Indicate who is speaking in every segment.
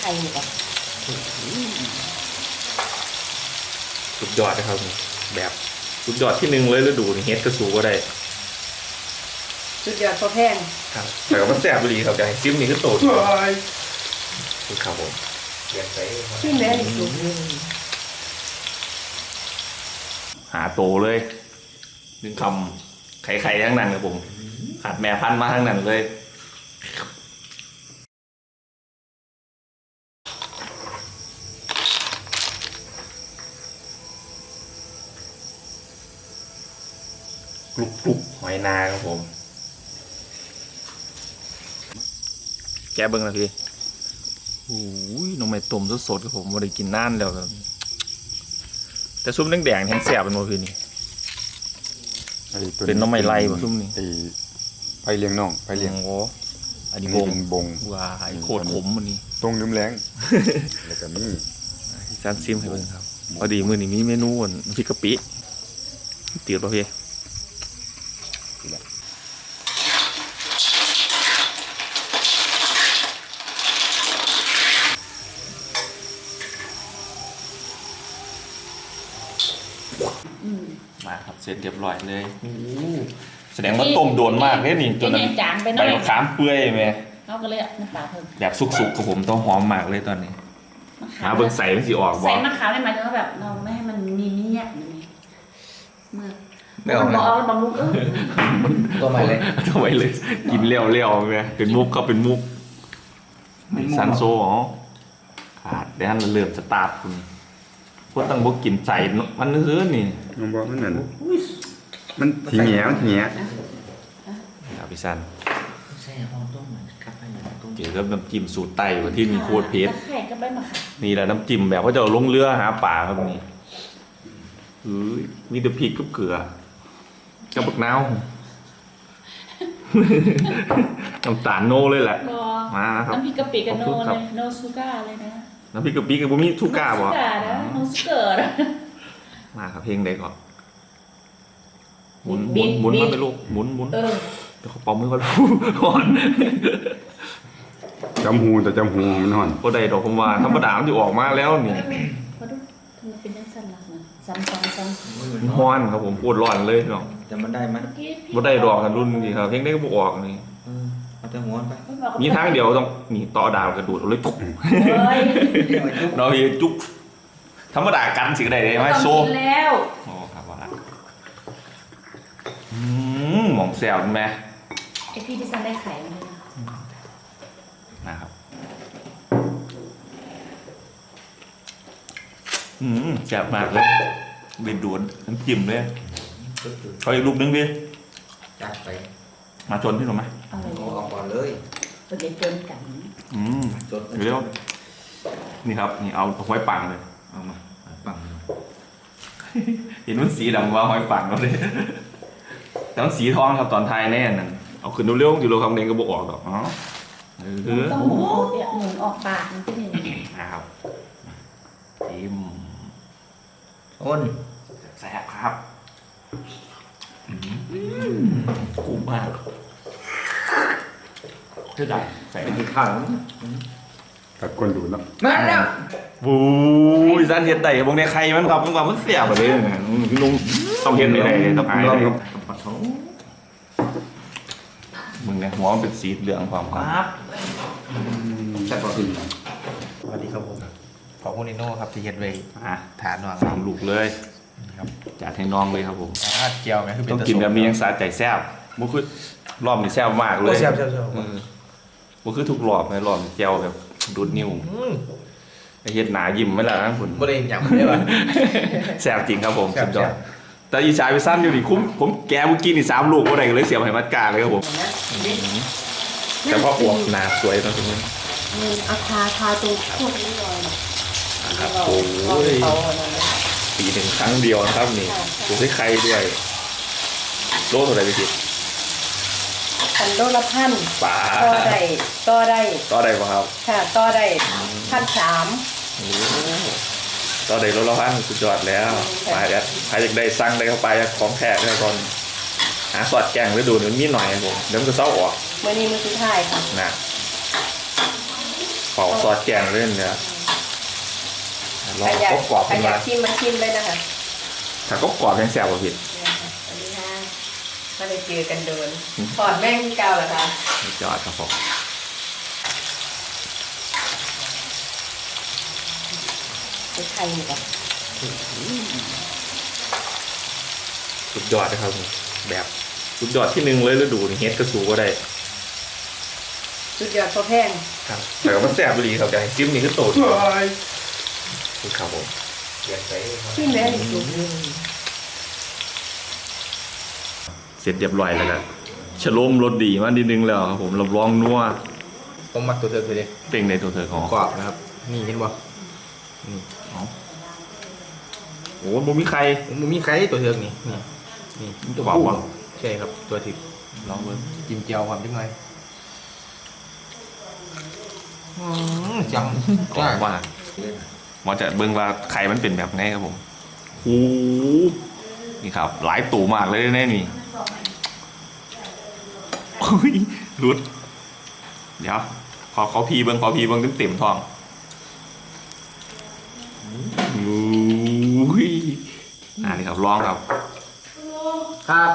Speaker 1: ข่อยู่ก่อน
Speaker 2: สุดยอดนะครับแบบสุดยอดที่หนึ่งเลยฤดูนี่เฮ็ดกระสูก็ได้
Speaker 1: สุดยอดพอแพง
Speaker 2: ครับแต่ก็มันแซ่บดีครับใจซิมนี่คือโตดคือครับผม
Speaker 1: ชิมเลยสุด
Speaker 2: หาโตเลยนึงคำไข่ทั้งนั้นครับผมขาดแม่พันธุ์มาทั้งนั้นเลยกรุบหอยนาครับผมแกเบิ้งนะพี่โอ้ยน้องไม่ต้มสดๆครับผมไม่ได้กินนานแล้วครับแต่ซุปแดงๆแห้งแสบเป็นโมพี่นี่เป็นน้องไม่ไล่ป่ะซุปนี่
Speaker 3: ไปเลี้ยงน้องไปเลี้ยง
Speaker 2: โอ้อันนี้บงว้าโคตรขมมันนี่
Speaker 3: ตรงน้ำแรงแล้วก็มี
Speaker 2: จานซิมให้เบิ่งครับพอดีมื้อนี้มีเมนูน้ำพริกกะปิเตี๋ยวป่ะพี่มาครับเสร็จเรียบร้อยเลยแสดงว่าต้มโดนมากเลยนี่จนใบมะขามเปื่อยไหม
Speaker 1: เขาก็เลยน้ำปลาเพิ่ม
Speaker 2: แบบสุกๆกับผมต้องหอมมากเลยตอนนี้หาเบิ่งใส่มันสิออกบ่
Speaker 1: ใส่มะขามได้หมายถึงว่าแบบเราไม่ให้มันมีเนี้ยเมื่อ
Speaker 2: ไม่เอา
Speaker 1: บอกบางมุก
Speaker 2: ตัวใหม่เลยตัวใหม่เลยกินเลี้ยวๆไงเป็นมุกก็เป็นมุกซันโซ่อ๋อขาดเดี๋ยวมันเริ่มสตาร์ทคุณพวกตั้งบกกินใส่มันซื้อนี่
Speaker 3: น้องบอกมันนั่นมันถีเหนียว
Speaker 2: เอาพี่ซัน
Speaker 4: ใช่ห้องต้มเหมือนกับไปอย่างต้ม
Speaker 2: เกี่ยวกับน้ำจิ้มสูตรไต่ที่มีโคตรเพชร
Speaker 1: ไข่ก็ไปมาค่ะ
Speaker 2: นี่แหละน้ำจิ้มแบบว่าจะลงเรือหาป่าครับนี่มีแต่พริกกับเกลือกับบักนาวน้ำตาลโนเลยแหละมาครับ
Speaker 1: น้ำพริกกะปิกับโนเลยโนซูก้าเลยนะ
Speaker 2: น้ำพริกกะปิกับบุมิทูก้าบ่
Speaker 1: โนซูเกอร์
Speaker 2: มาครับเพลงใดก่อนหมุนมาไปลูกหมุนเดี๋ยวเขาเป่ามือก่อนก่อน
Speaker 3: จำหูแต่จำหูมันห่อน
Speaker 2: ก็ได้ดอกคำว่าธรรมดามันจะออกมาแล้วนี่
Speaker 1: พอดูทำไมเป็นยังสั่นล่ะซ้
Speaker 2: ำฮ้อนครับผมพูดร้อนเลยเนาะ
Speaker 4: จะมันได้ไหม
Speaker 2: บ่ได้ดอกกันรุ่นนี่ครับเพลงได้ก็บ่ออกนี่
Speaker 4: เอาแต่หัวไป
Speaker 2: มีทางเดียวต้องนี่ต่อดาวกระโดดเลยปุ๊บเราเยจุ๊บธรรมดากันสิได้ไหมโซ่
Speaker 1: แล้ว
Speaker 2: อ๋อครับว่าหม่องแซวไหม
Speaker 1: ไอพี่ที่สั่งได้ไข่เลย
Speaker 2: นะครับแซ่บมากเลยเด็ดด่วนน้ำจิ้มเลยเอาอีกลูกนึงดิ
Speaker 4: จัดไป
Speaker 2: มาชนพี่หนูไหม
Speaker 4: เอาออกก่อนเลย
Speaker 1: เดี๋ยวจนกัน
Speaker 2: จนเร็วนี่ครับนี่เอาหอยปังเลย
Speaker 4: เอามาปัง
Speaker 2: เห็นมันสีดำว่าหอยปังเราเลยแต่มันสีทองครับตอนไทยแน่นั่นเอาขึ้นเร็วๆอยู่โลคำเดงก็บอกออกหรอก
Speaker 1: ต้องหมุนออกปากมันที่นี่
Speaker 2: นะครับจิ้ม
Speaker 4: อ้น
Speaker 2: แซ่บครับคุ้มมากเท่าไหร่ใส่ในข้าว
Speaker 3: ตัดก้นดูแล้ว
Speaker 4: มาแล้ว
Speaker 2: บูยซันเห็ดไต่บางในใครมันครับมันความมันเสียบแบบนี้นะลุงต้องเห็ดไหนต้องอายเลยมึงเนี่ยหัวมันเป็นสีเหลืองความครับ
Speaker 4: แซ่บกว่าอื่น
Speaker 2: สวัสดีครับผม
Speaker 4: ขอบคุณนิโน่ครับที่เห็ดไว้ทานวาง
Speaker 2: 3 ลูกเลยครับจัดให้น้องเลยครับผม
Speaker 4: เจียวไหม
Speaker 2: ต้องกินแบบนี้ยังสาใจแซ่บบุคือรอบนี้แซ่บมากเลย
Speaker 4: แซ่บ
Speaker 2: บุคือทุกรอบเลยรอบเจียวแบบดูดนิ้วเฮ็ดหนายิ้มไม่ละนะคุณ
Speaker 4: บ่ได้อย่างไม่ได้ป่ะ
Speaker 2: แซ่บจริงครับผมสุดยอดแต่อีชายไปสั้นอยู่ดิคุ้มผมแกเมื่อกี้นี่3 ลูกอะไรเลยเสียบให้มัดกาเลยครับผมแต่พออวบหนาสวยตอนนี้
Speaker 1: เอาทาตัวพวกนี้เลย
Speaker 2: ครับโอ้ยปีหนึ่งครั้งเดียวนะครับนี่ดูให้ใครด้วยโลเท่าไหร่ไปสิ
Speaker 1: โลละ1,000
Speaker 2: ป่า
Speaker 1: ต่อได้
Speaker 2: ป่ะครับ
Speaker 1: ค่ะต่อได้1,300
Speaker 2: ต่อได้โลละ1,000สุดยอดแล้วไปแล้วใครอยากได้สั่งได้เข้าไปของแท้ได้ก่อนหาสอดแกงไว้ดูมันมีหน่อยผมเดี๋ยวมันจะเศร้าออก
Speaker 1: มื้อนี้มื้อสุดท้ายค่ะ
Speaker 2: นะเป่าซอสแกงเล่นเนี่ยลอง
Speaker 5: ใครอยาก
Speaker 2: กรอบ
Speaker 5: ใคร
Speaker 2: ขึ้น
Speaker 5: อยา
Speaker 2: มา
Speaker 5: กชิมมาชิมเลยนะคะ
Speaker 2: ถ้าก็กรอบยังแซ่บกว่าผิด
Speaker 5: เนี่ยค่ะสวัสดีค่ะไม่ได้เจอกันโดนถอดแม่งเก่าเหรอคะ
Speaker 2: ยอดครับผม
Speaker 5: เป็นไทยอยู่ปะ
Speaker 2: สุดยอดนะครับผมแบบสุดยอดที่หนึ่งเลยฤดูนี่เฮ็ดกระสูก็ได้
Speaker 5: สุดยอดพอแพง
Speaker 2: ครับแต่ก็มันแซ่บดีครับอย่างซิมนี่คือโตดคือครับผม
Speaker 5: ชิมแล้วดีสุด
Speaker 2: เสร็จเรียบร้อยแล้วครับฉโลมรสดีมากนิดนึงแล้วครับผมรับรองนัว
Speaker 4: ผมมักตัวเธอไปเลย
Speaker 2: เป่งในตัวเธอของ
Speaker 4: กรอบนะครับ นี่เห็นบ่นี่
Speaker 2: โอ้บ่มีใคร
Speaker 4: ผมมีใครตัวเธอนี่นี่
Speaker 2: มันจะบอกว่า
Speaker 4: ใช่ครับตัวถิบ
Speaker 2: ลองเบิ่ง
Speaker 4: จิ้มเจียวความจังไงจัง
Speaker 2: กรอบมากหมอจะเบิ่งว่าไข่มันเป็นแบบไหนครับผมโอ้นี่ครับ หลายตู่มากเลยแน่นี่โอ้ยรุดเดี๋ยวขอพีเบิ่งเต็มๆท้องโอ้ยนี่ครับลองครับ
Speaker 4: ครับ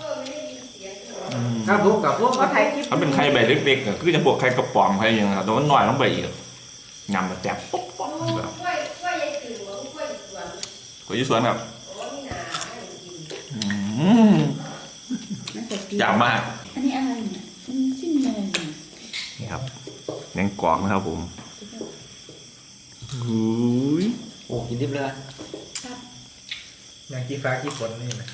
Speaker 4: ครับลูกกับลูก
Speaker 5: เขาไทยคลิป
Speaker 2: ถ้าเป็นไข่แบบเล็กๆก็คือจะบวกไข่กระป๋องไข่ยังครับแต่ว่าน้อยต้องไปอีกยำแบบแซ่บปุ๊บปุ๊บแบบกล้วยยี่สวนครับยำมาก
Speaker 1: อันนี้อะไรเนี่ยมันชิ้นอะไรเนี่ย
Speaker 2: นี่ครับแหนงกรอบนะครับผมหูย
Speaker 4: โอ้กินดิบเลย
Speaker 1: ครับ
Speaker 4: อย่างกี้ฟ้ากี้ฝนนี่นะ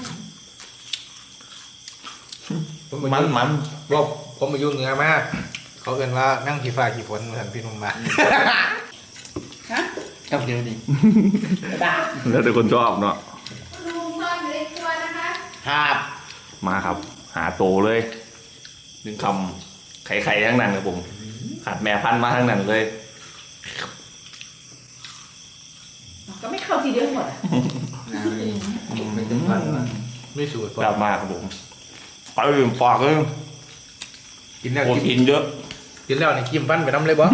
Speaker 2: มัน
Speaker 4: บอกผมมาอยู่เหนือมากเขาเอ่นว่านั่งขี้ฟ้าขี้ฝนเหมือนพี่นุ่มมา
Speaker 1: ฮะ
Speaker 4: ครับเดี๋ยวนี้
Speaker 1: ด่า
Speaker 2: แล้วแต่คนชอบเนาะ
Speaker 5: ลุงซ่อนอยู่ในครัวนะคะ
Speaker 4: ครับ
Speaker 2: มาครับ หาโตเลยหนึ่งคำไข่ทั้งนั้นครับผมขาดแม่พันธุ์มาทั้งนั้นเลย
Speaker 1: ก็ไม่เข้าทีเดียวหมดอ่ะ
Speaker 4: ไม่สูตร
Speaker 2: กลับมาครับผมไปอื่นปอกเลย
Speaker 4: กินแล้ว
Speaker 2: โปร
Speaker 4: กิน
Speaker 2: ตีนเยอะ
Speaker 4: กินแล้วนี่กินฟันไปน้ำเลยบ่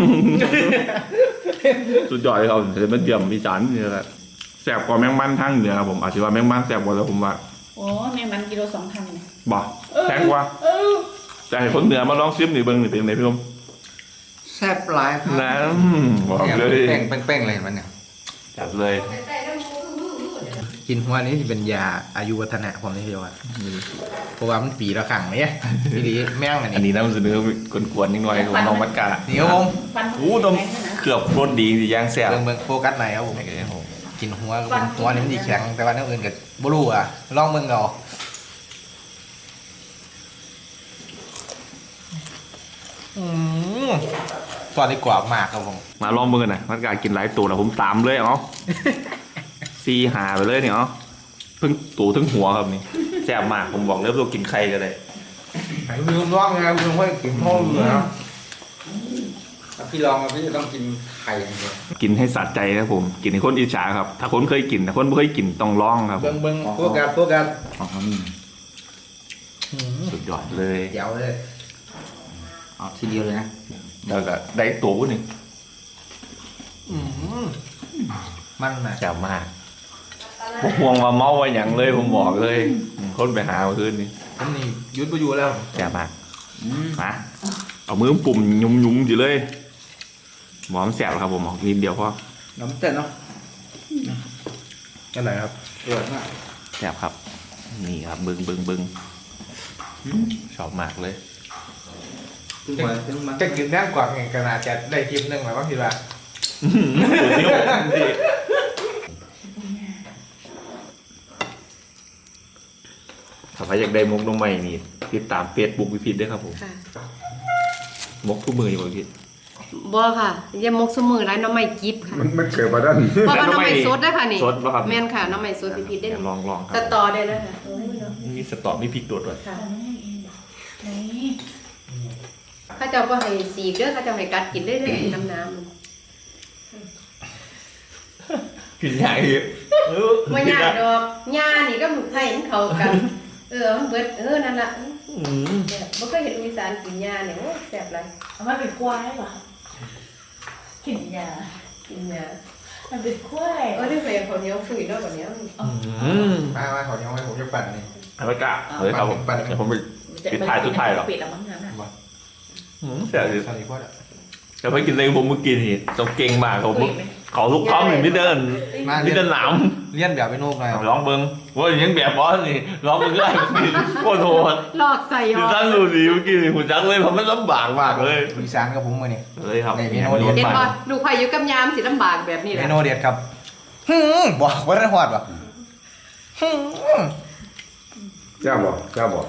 Speaker 2: สุดยอดเลยครับจะเป็นเดี่ยมอีสานนี่แหละแซ่บกว่าแมงมันทั้งเหนือครับผมอาจจะว่าแมงมันแซ่บกว่าแต่ผมว่า
Speaker 1: โอ้แม่มันกิโล2,000เนี่ย
Speaker 2: บ่แพงกว่า
Speaker 1: เออ
Speaker 2: แต่ให้คนเหนือมาลองซิมหนิเบิ้งหนิเป็นไงพี่ลม
Speaker 3: แซ่บหลายครับ
Speaker 2: นะบอกเลย
Speaker 3: แป้งเลยมันเนี่ย
Speaker 2: จัดเลย
Speaker 4: กินหัวนี้ที่เป็นยาอายุวัฒนะผมนี่เดียวอ่ะเพราะว่ามันปีละครั้งเนี่ยทีนี้แม่งอัน
Speaker 2: อัน
Speaker 4: นี้
Speaker 2: นี้น้ำเสนอกวนๆนิดหน่อยของน้องมัดกา
Speaker 4: เดี๋ยวผม
Speaker 1: ฟัน
Speaker 2: โอ้ต้ม
Speaker 1: แข็งด้วยนะ
Speaker 2: เกือบรสดีสิย่างแซ่บ
Speaker 4: เบิ่งโฟกัสไหนครับผม
Speaker 2: โอเคครับผม
Speaker 4: กินหัวก็เป็นตัวนี้มันดีแข็งแต่ว่าเนื้ออื่นกับบลูอ่ะลองเบิ่งเอาตอนนี้กรอบมากครับผม
Speaker 2: มาลองเบิ่งกันนะมัดกากินหลายตัวแล้วผมตามเลยเนาะซีหาไปเลยเนี่ยเนาะเพิ่งตูทั้งหัวครับนี่แซ่บมากผมบอกเลยว่ากินไข่กันเลย
Speaker 4: ไหนพี่ลองไงพี่ลองว่ากินพ่อเหรอ
Speaker 3: พี่ลองพี่จะต้องกินไข่อย่างเดียว
Speaker 2: กินให้สัตใจครับผม กินให้คนอิจฉาครับ ถ้าคนเคยกินแต่คนไม่เคยกินต้องลองครับผ
Speaker 4: เบิ่ง
Speaker 2: ม
Speaker 4: เบิ่งโฟกัส
Speaker 3: อ๋อนี่
Speaker 2: สุดยอดเลย
Speaker 4: เดี๋ยวเลย
Speaker 3: เอาทีเดียวเลยนะ
Speaker 2: แล้วก็ได้ตัวหนึ่ง
Speaker 4: มันนะ
Speaker 2: แซ่บมากพวกห่วงว่าเมาไว้อย่างเลยผมบอกเลยคนไปหาเมื่อคืนนี้
Speaker 4: ผมนี่ยุดไปอยู่แล้ว
Speaker 2: แซ่บมากมาเอามือปุ่มยุ่มๆอยู่เลยหมอมแซ่บครับผมออกนิดเดียวพอ
Speaker 3: น้ำเต้นเนาะ
Speaker 4: นั่นไหนครับ
Speaker 3: เดือดมาก
Speaker 2: แซ่บครับ นี่ครับบึงชอบมากเลย
Speaker 3: ถึงมาถึงมา
Speaker 4: จะกินแน่นกว่าไงขนาดจะได้คลิปหนึ่งแล้วบ้างทีละ
Speaker 2: ถ้าใครอยากได้มกน้องใหม่นี่ติดตามเฟซบุ๊กวิพิธด้วยครับผม
Speaker 5: ค่ะ
Speaker 2: มกทุกมืออยู่วิพิธ
Speaker 5: บ่ค่ะยามกสมือไรน้ำไม่กิบค่ะ
Speaker 3: มันเกิดมาด้าน
Speaker 5: เพราะว่าน้ำไม่สดได้ค่ะนี่
Speaker 2: สดป่ะครับ
Speaker 5: แม่นค่ะน้ำไม่สดพิพิธได้
Speaker 2: ลองค
Speaker 5: ตั
Speaker 2: รั
Speaker 5: ด
Speaker 2: บ
Speaker 5: ต่อได้แล้วค่ะ
Speaker 2: มีสตอมีพริกตัวด้วย
Speaker 5: ค่ะ
Speaker 1: ไหน
Speaker 5: ข้าเจ้าก็ให้สีกเด้อข้าเจ้าให้กัดกินได้เลยน้ำ
Speaker 2: กินใหญ่เยอะ
Speaker 5: ว่าหญ้าดอกหญ้านี่ก็หมุกไทยมันเข้ากัน มันเบิดนั่นล่ะเนี่ยบ่เคยเห็นอีสานกินหญ้าเนี่ยโอ้แซ่บหลาย
Speaker 1: เอามาเป็นควายเหรอกินยา
Speaker 5: กินเนี่ย
Speaker 1: มันเป็นกล้วย
Speaker 5: ได้ไปคนเหนียวฝืนแล้วแบบนี้
Speaker 4: มาขอเนี้ยไว้ผมจะปั่นนี่
Speaker 2: เอาไปกะเฮ้ยครับผมเดี๋ยวผมไป ปิดท้ายสุดท้ายหรอ
Speaker 1: ปิดแล้วมั้งงั้นอ่ะ
Speaker 2: เสียดิ
Speaker 4: สวัสดีพ่อเด้อ
Speaker 2: แต่พอกินในผมเมื่อกี้นี่ต้องเก่งมากเขาเขาทุกคำหนึ่งที่เดิน
Speaker 4: มา
Speaker 2: นี่
Speaker 4: เรียน
Speaker 2: เดินหนาม
Speaker 4: เรียนแบบไปโน่นหน่อย
Speaker 2: ร้องเบิ้งว่าอย่างแบบบอสนี่ร้องเบิ้งได้โคตรโหด
Speaker 5: หลอกใส่
Speaker 2: คือตั้งดูดีเมื่อกี้นี่หุ่นจักเลยเพราะมันลำบากมากเลย
Speaker 4: อีสานกับผมมาเนี่ย
Speaker 2: เลยครับ
Speaker 4: ในเมนูเด็ด
Speaker 5: เห็นป่ะลูกพายุกับยามสิลำบากแบบนี้แห
Speaker 4: เม
Speaker 5: ละ
Speaker 4: นูเด็ดครับบอกว่าได้หอดป่ะ
Speaker 3: เจ้าบอกเจ้าบอก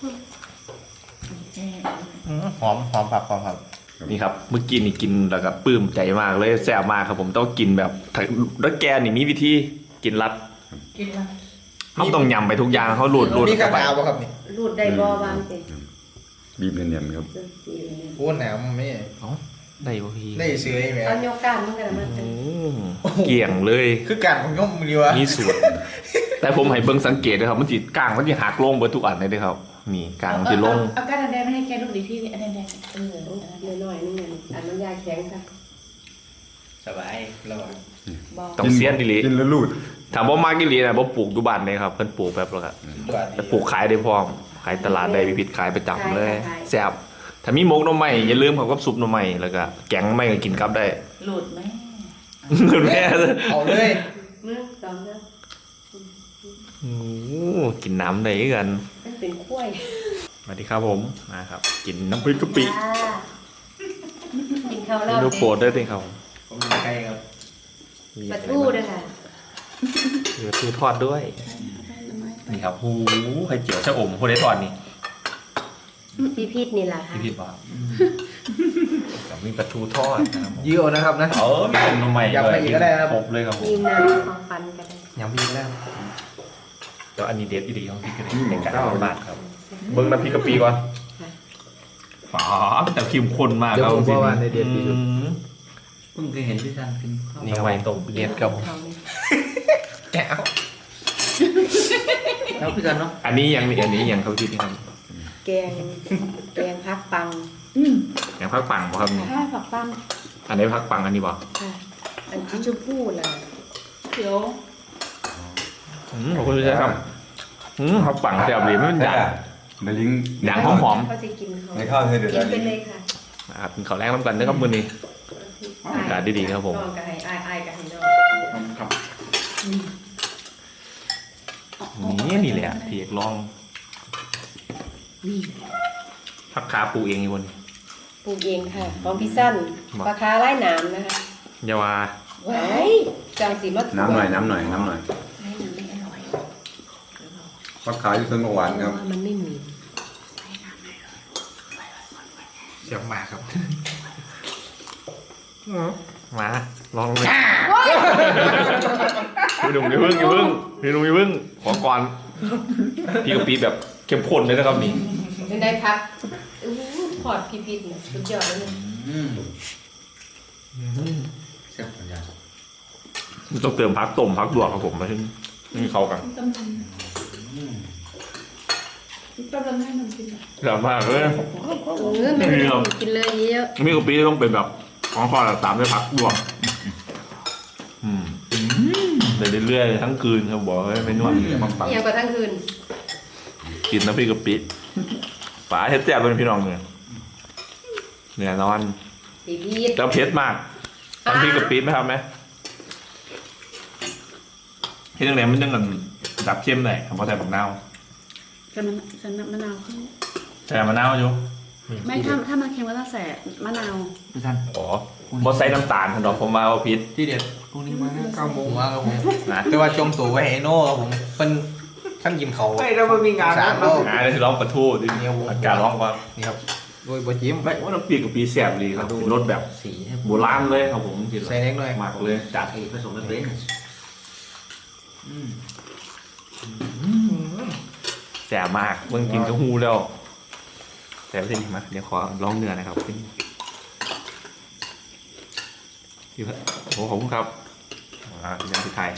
Speaker 4: หอมผักหอมครับ
Speaker 2: นี่ครับเมื่อกี้นี่กินแล้วก็ปลื้มใจมากเลยแซ่บมากครับผมต้องกินแบบแล้วแกนี่มีวิธีกินรัด
Speaker 1: กินละ
Speaker 2: เขาต้องยำไปทุกอย่างเขาหลุด
Speaker 4: นี่ข้า
Speaker 2: เข้าว ไป
Speaker 4: หนาวป่ะครับนี่
Speaker 5: รูดได้บ่บางสิ
Speaker 3: บีบเนียนๆครับ
Speaker 4: โอ้หนาวไม่
Speaker 2: ได้ป่ะพี่
Speaker 4: ได้เสือไหม
Speaker 5: เอาโยก้านมันกันมัน
Speaker 2: เกี่ยงเลย
Speaker 4: คือการผมย่อมมือวะ
Speaker 2: มีส่วนแต่ผมให้เบิ่งสังเกตนะครับมันจีกลางมันจะหักลงเบิดทุกอันเลยเด้อครับนี่กลางมันจะลง
Speaker 1: เอาก้านแดงไม่ให้แกลูกดีที่อันแดง
Speaker 5: น้อยๆนี่อันน้ำยาแข็งค่ะ
Speaker 4: สบายรอด
Speaker 1: บอก
Speaker 2: ต้องเสียนดิลิ
Speaker 3: กินแล้วรูด
Speaker 2: ถามว่ามากิลีนะบ่ปลูกอยู่บ้านเลยครับเพิ่นปลูกแบบแล้วก็ปลูกขายได้พร้อมขายตลาดได้พิพิธขายประจำเลยแซ่บถ้ามีหมกหน่อไม้อย่าลืมเขากับซุปหน่อไม้แล้วก็แกงหน่อไม้ก็กินกับได้
Speaker 1: หลุดไหม
Speaker 2: เงินแม่
Speaker 4: เอาเลย
Speaker 5: มือสองนะ
Speaker 2: โอ้กินน้ำได้กัน
Speaker 5: มันเป็นกล้วย
Speaker 2: สวัสดีครับผมมาครับ กินน้ำพริกกะปิ
Speaker 5: กินข้าว
Speaker 2: เม
Speaker 5: รอบ
Speaker 2: นูโปรดได้ติครับ
Speaker 4: ผมมีไก่ครับ
Speaker 5: ปลาทูด้วยค่ะ
Speaker 2: เหลือทูทอดด้วยนี่ครับหูไข่เจียวชะอมโคเดทอดนี่
Speaker 5: พี่พีทนี่แหละค่ะ
Speaker 2: พี่พี่บอกกับมีปลาทูทอดนะครับ
Speaker 4: ยื้อนะครับนะ
Speaker 2: มีต้มหน่อไม้
Speaker 4: ยำไปอีกก็ได้ครับ
Speaker 2: ครบเลยครับผม
Speaker 5: ยืมน้ำของฟันกันเลย
Speaker 4: ยำพี่ก็ได้
Speaker 2: แล้วอันนี้เด็ดอีดีของพี่กะปิในการบาทครับเบิ้งน้ำพริกกะปิก่อนฝาแต่เข้มข้นมาก
Speaker 4: เดี๋ยว
Speaker 2: ครับ
Speaker 4: ผมบอกว่าในเด็ดที่สุด
Speaker 1: เพิ่งเคยเห็นพี่ซันกินข้าว
Speaker 4: นี่ครับตกเด็ดกับผม
Speaker 5: เขานี่
Speaker 4: แก้ว
Speaker 1: แล้วพี่ซันเนาะ
Speaker 2: อันนี้ยังมีอันนี้ยังเขาคิดนี่ครับ
Speaker 5: แกงพักปัง
Speaker 2: ยังพักปังบ่ครับนี่
Speaker 5: ข้าวผักปัง
Speaker 2: อันนี้พักปังอันนี้บ่
Speaker 5: ค่ะอันที่ชมพู่น่ะ
Speaker 1: เขียว
Speaker 2: ขอบคุณพี่ชายครับพักปังแซ่บดีไม่เป็นด่าง
Speaker 3: ในลิง
Speaker 2: ด่างหอม
Speaker 5: เขาจะกินเขา
Speaker 3: ในข้าวเธอเดือด
Speaker 5: กินไปเลยค่ะ
Speaker 2: ๆนะครับกินข้าวแรงน้ำกันนะครับมื้อนี้ อากาศดีๆครับผม
Speaker 5: นอนกับให้อายกับให้นอน
Speaker 3: ครับ
Speaker 2: นี่แหละที่อยากลองพักขาปูเองอีกคน
Speaker 5: ปลูกเองค่ะของพี่สั้นปลาคาไล่หนามนะคะ
Speaker 2: อยาวา
Speaker 5: ไว้จังสีมะ
Speaker 3: น้ำหน่อยน้ำหน่อยน้ำหน่อย
Speaker 1: ให้มันไม่อร่อย
Speaker 3: ฟักขาวอยู่ต้นหวานครับ
Speaker 5: มันไม่มี
Speaker 4: เสียงหมาครับ
Speaker 2: มาลองเลยพี่หนุ่มอย่าเพิ่งอย่าเพิ่งพี่หนุ่มอย่าเพิ่งขอก่อนพี่กะปิแบบเข้มข้นเลยนะครับนี่
Speaker 5: เป็นได้พักพอดพี่พิษเนี่ยสุดยอดเลย
Speaker 1: แซ่บปัญญา
Speaker 2: ต้องเติมพักต้มพักลวกครับผมมาถึงนี่เข้ากัน
Speaker 1: ต้มยำต้มยำให้มันกิน
Speaker 2: แซ่บมากเลย
Speaker 5: ไม่กินเลยเยอะ
Speaker 2: มีกะปิต้องเป็นแบบของข้อตามด้วยพักลวกเรื่อยๆทั้งคืนครับบอกให้ไม่นวด
Speaker 3: ปัง
Speaker 5: อย่างกว่าทั้งคืน
Speaker 2: กินน้ำพริกกะปิป๋าเฮ็ดแซ่บเป็นพี่น้องเนี่ยเนี่ยนอน
Speaker 5: พี่พิษ
Speaker 2: แล้วเผ็ดมากน้ำพริกกะปิไหมครับไหมเฮ็ดยังไงมันยังกันดับเข้มหน่อยผมพอใส่ผักนาว
Speaker 1: ใส่มะนาวขึ้น
Speaker 2: ใส่มะนาวอยู่
Speaker 1: ไม่ถ้ามันเค็มก็ต้องใส่มะนาว
Speaker 3: พี่ท่าน
Speaker 2: อ๋อบ่ใส่น้ำตาลถนอมผมมาว่าพิษ
Speaker 4: ที่เด็ด
Speaker 3: พรุ่งนี้มา9 โมง
Speaker 4: ผมว่าครับผม
Speaker 2: นะ
Speaker 4: แต่ว่าจมตัวไว้ให้โน่ครับผมเป็นขั้นกินเขา
Speaker 3: ไม่เราไม่มีงาน
Speaker 4: สามโล
Speaker 2: เดี๋ยวสิร้องปลาทูดิอากาศร้องว่า
Speaker 4: นี่ครับโดยบะจิ้ม
Speaker 2: ไม่ว่าน้ำพริกกะปิแซ่บดีครับเป็นรสแบบ
Speaker 1: สี
Speaker 2: โบราณเลยครับผมกิน
Speaker 4: ใส่เล็กหน่อย
Speaker 2: มากเลยจัด
Speaker 1: ไอ้ผสมกันเป็น
Speaker 2: แซ่บมากเมื่อกินก็ฮู้แล้วแต่สิมาเดี๋ยวขอลองเนื้อนะครับพี่โอ้ขอบคุณครับยังที่ไทย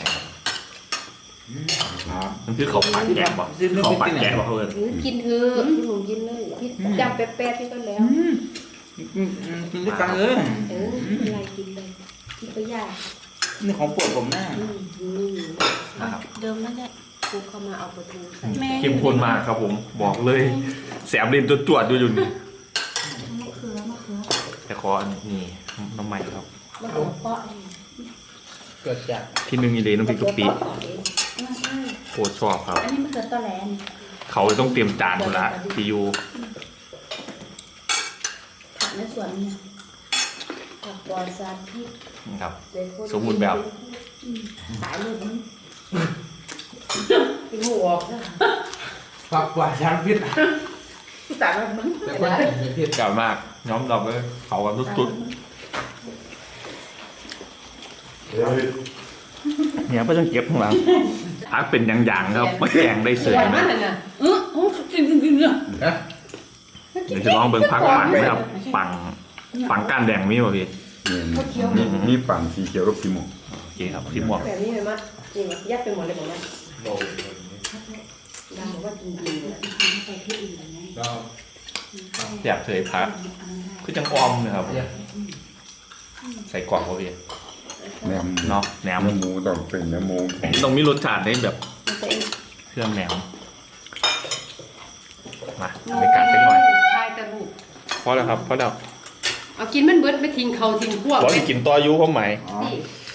Speaker 2: มันคือเขาปัดแกะบอกเขาปัดแกะบอกเพื่อน
Speaker 5: กินเถอะพี่หนุ่มกินเลยพี่จับแป๊ะๆพี่ก็แล้ว
Speaker 3: กินด้วยกันเลย
Speaker 5: ยายกินเลยกินไปยาย
Speaker 3: นี่ของโปรดผมนะ
Speaker 2: นะครับ
Speaker 1: เดิมนั่นแหละ
Speaker 5: กูเข้ามาเอาปลาทูใส่
Speaker 1: แม่
Speaker 2: เข้มข้นมากครับผมบอกเลยแสบเลนตัวจวดอยู่นี่
Speaker 1: มะเขือ
Speaker 2: แต่ขออันนี้น้ำใหม่ครับ
Speaker 5: มะเขือเปาะ
Speaker 4: เกิดจาก
Speaker 2: ที่หนึ่งอีเลน้ำพริกกะปิโคตรชอบครับ
Speaker 1: อันนี้มะเขือตอแหลน
Speaker 2: เขาเลยต้องเตรียมจานหมดละทียู
Speaker 1: ผักในสวนเนี่ย
Speaker 5: ผักปลอดสารพิษ
Speaker 2: นะครับ สมบูรณ์แบบ
Speaker 1: ขายเลยมัน
Speaker 5: กินหัวนะ
Speaker 4: ฝักกว่าช้างพิษ
Speaker 1: แต่แบบมัน
Speaker 4: แต่คนกินพิษ
Speaker 2: เก่ามากย้อมดอกเลยเขากันสุดๆเนี่ยก็ต้องเก็บข้างหลังพักเป็นอย่างๆครับไม่แกงได้เสย
Speaker 5: สวย
Speaker 2: ไหม
Speaker 5: มากเลยนะ
Speaker 1: กินเนี่ย
Speaker 4: นะ
Speaker 2: เดี๋ยวจะลองเบิ่งพักปังนะครับปังก้านแดงมีป่ะพี่
Speaker 3: นี่ปั่นสีเขียวกับสีม่วง
Speaker 2: โอเคครับที่หมวก
Speaker 5: แบบนี้เลยมั้ยนี่มั้ยยัดไปหมดเลยบอกว่าดำบอกว่ากินดีเลย
Speaker 1: ไปที่อื่นอะไรเงี้ย
Speaker 4: เรา
Speaker 2: อยากเสยพักคือจังออมนะครับ ใส่กล่องป่ะพี่
Speaker 3: แหนม
Speaker 2: เนาะแหนม
Speaker 3: เนื้อหมูต้องเป็นเนื้อหมู
Speaker 2: ต้องมีรสชาติได้แบบ
Speaker 5: มันเป็น
Speaker 2: เครื่องแหนมมาในการสักหน่อย
Speaker 5: ทายตะบุก
Speaker 2: พอแล้วครับพอแล้ว
Speaker 5: เอากินมันเบิดไปทิ้งเขาทิ้งพวก
Speaker 2: บอกให้กินต่ออายุเขาไหม
Speaker 5: นี่